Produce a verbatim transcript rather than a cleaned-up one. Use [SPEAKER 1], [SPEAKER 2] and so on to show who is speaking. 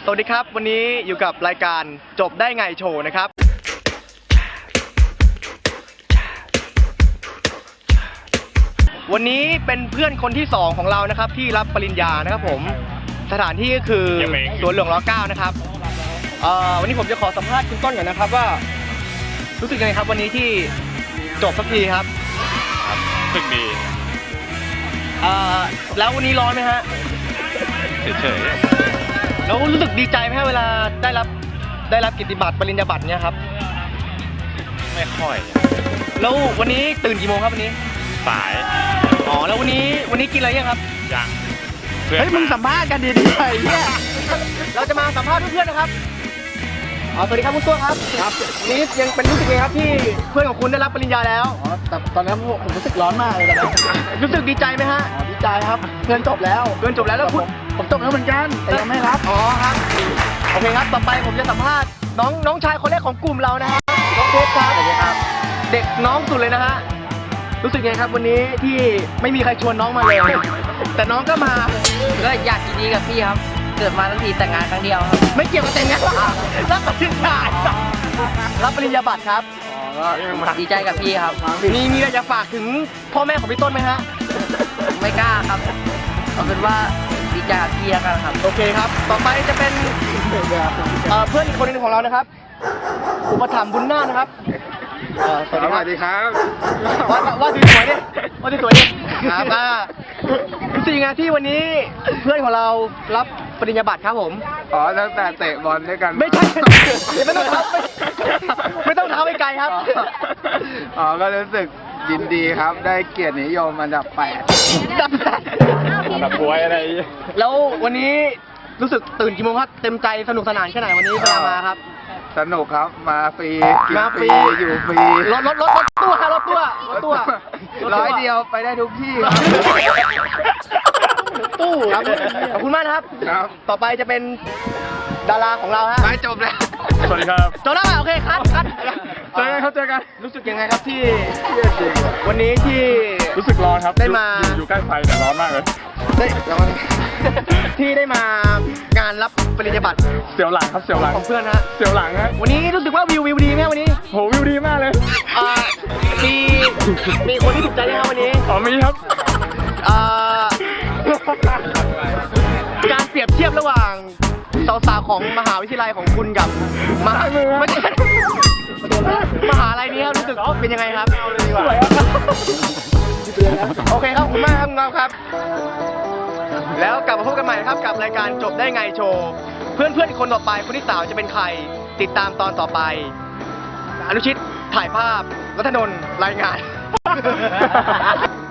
[SPEAKER 1] สวัสดีครับวันนี้อยู่กับรายการจบได้ไงโชว์นะครับวันนี้เป็นเพื่อนคนที่สองของเรานะครับที่รับปริญญานะครับผมสถานที่ก็คือสวนหลวงรเก้านะครับเอ่อวันนี้ผมจะขอสัมภาษณ์คุณต้นก่อนนะครับว่ารู้สึกยังไงครับวันนี้ที่จบสักทีครับ
[SPEAKER 2] รู้สึกดี
[SPEAKER 1] เอ่อแล้ววันนี้ร้อนไหมฮะ
[SPEAKER 2] เฉย
[SPEAKER 1] ๆแล้วรู้สึกดีใจไหมเวลาได้รับได้รับกิตติบัตรปริญญาบัตรเนี่ยครับ
[SPEAKER 2] ไม่ค่อย
[SPEAKER 1] แล้ววันนี้ตื่นกี่โมงครับวันนี้
[SPEAKER 2] สาย
[SPEAKER 1] อ๋อแล้ววันนี้วันนี้กินอะไรยังครับ
[SPEAKER 2] ยัง
[SPEAKER 1] เฮ้ยมึงสัมภาษณ์กันดีๆไปเนี่ยเราจะมาสัมภาษณ์เพื่อนๆนะครับอ๋อสวัสดีครับคุณตัวครับครับวันนี้ยังเป็นรู้สึกไงครับที่เพื่อนของคุณได้รับปริญญาแล้ว
[SPEAKER 3] อ๋อแต่ตอนนั้นผมรู้สึกร้อนมากเลยตอนนั้น
[SPEAKER 1] รู้สึกดีใจไหมฮะ
[SPEAKER 3] อ๋อดีใจครับเพื่อนจบแล้ว
[SPEAKER 1] เพื่อนจบแล้วแล้วคุณ
[SPEAKER 3] ผมจบแล้วเหมือนกันแต่ยังไม่รับ
[SPEAKER 1] อ๋อครับโอเคครับต่อไปผมจะสัมภาษณ์น้องน้องชายคนแรกของกลุ่มเรานะฮะน้องเพชรครับสวัสดีครับเด็กน้องสุดเลยนะฮะรู้สึกไงครับวันนี้ที่ไม่มีใครชวนน้องมาเลยแต่น้องก็มา
[SPEAKER 4] ก็อยากยินดีกับพี่ครับเกิดมาทั้งทีแต่งงานครั้งเดียวครับ
[SPEAKER 1] ไม่เกี่ยวกับแต่งงานรับปริญญารับปริญญาบัตรครับ
[SPEAKER 4] ดีใจกับพี่ครับ
[SPEAKER 1] มีมีอะไรจะฝากถึงพ่อแม่ของพี่ต้นไหมฮะ
[SPEAKER 4] ไม่กล้าครับเอาเป็นว่าดีใจกับพี่แล้วกันครับ
[SPEAKER 1] โอเคครับต่อไปจะเป็นเพื่อนอีกคนนึงของเรานะครับอุปถัมภ์บุญนาคนะครับ
[SPEAKER 2] สวัสดีครับ
[SPEAKER 1] ว่าว่าสวยดิว่าสวยดิครับรู้สึกยังไงที่วันนี้เพื่อนของเรารับปริญญาบัตรครับผม
[SPEAKER 2] อ๋อตั้งแต่เตะบอลด้วยกัน
[SPEAKER 1] ไม่ใช่ไม่ต้องเท้าไม่ต้องเท้าไปไกลครับ
[SPEAKER 2] อ๋อก็รู้สึกยินดีครับได้เกียรตินิยมอันดับแปดอันดับป่วยอะไร
[SPEAKER 1] แล้ววันนี้รู้สึกตื่นกี่โมงครับเต็มใจสนุกสนานแค่ไหนวันนี้เวลามาครับ
[SPEAKER 2] สนุกครับมาฟรี
[SPEAKER 1] มาฟรี
[SPEAKER 2] อยู่ฟรี
[SPEAKER 1] รถรถรถรถตู้รถตู้รถตู้
[SPEAKER 2] ร้อยเดียวไปได้ทุกที่ครับ
[SPEAKER 1] ตู้ครับขอบคุณมากนะครับ
[SPEAKER 2] ครับ
[SPEAKER 1] ต่อไปจะเป็นดาราของเราฮะ
[SPEAKER 2] ไม่จบแล้วสวัสดีครับ
[SPEAKER 1] จบแล้วโอเคครับครับ
[SPEAKER 2] เจอกันครับเจอกัน
[SPEAKER 1] รู้สึกยังไงครับที่วันนี้ที่
[SPEAKER 2] รู้สึกร้อนครับ
[SPEAKER 1] ได้มา
[SPEAKER 2] อยู่ใกล้ไฟแต่ร้อนมากเลย
[SPEAKER 1] ได้ที่ได้มางานรับปริญญาบัตร
[SPEAKER 2] เสียวหลังครับเสียวหลัง
[SPEAKER 1] ของเพื่อนฮะ
[SPEAKER 2] เสียวหลังฮะ
[SPEAKER 1] วันนี้รู้สึกว่าวิววิวดีไหมวันนี้
[SPEAKER 2] โหวิวดีมากเลย
[SPEAKER 1] อ่ามีมีคนที่ถูกใจไหมครับวันนี้
[SPEAKER 2] อ๋อมีครับ
[SPEAKER 1] อ่าการเปรียบเทียบระหว่างสาวๆของมหาวิทยาลัยของคุณกับมหาไม่ใช่มหาลัยนี้ครับรู้สึกเป็นยังไงครับโอเคครับขอบคุณมากครับงอครับแล้วกลับมาพบกันใหม่ครับกับรายการจบได้ไงโชว์เพื่อนเพื่อนคนต่อไปคนที่สามจะเป็นใครติดตามตอนต่อไปอนุชิตถ่ายภาพรัตนนท์รายงาน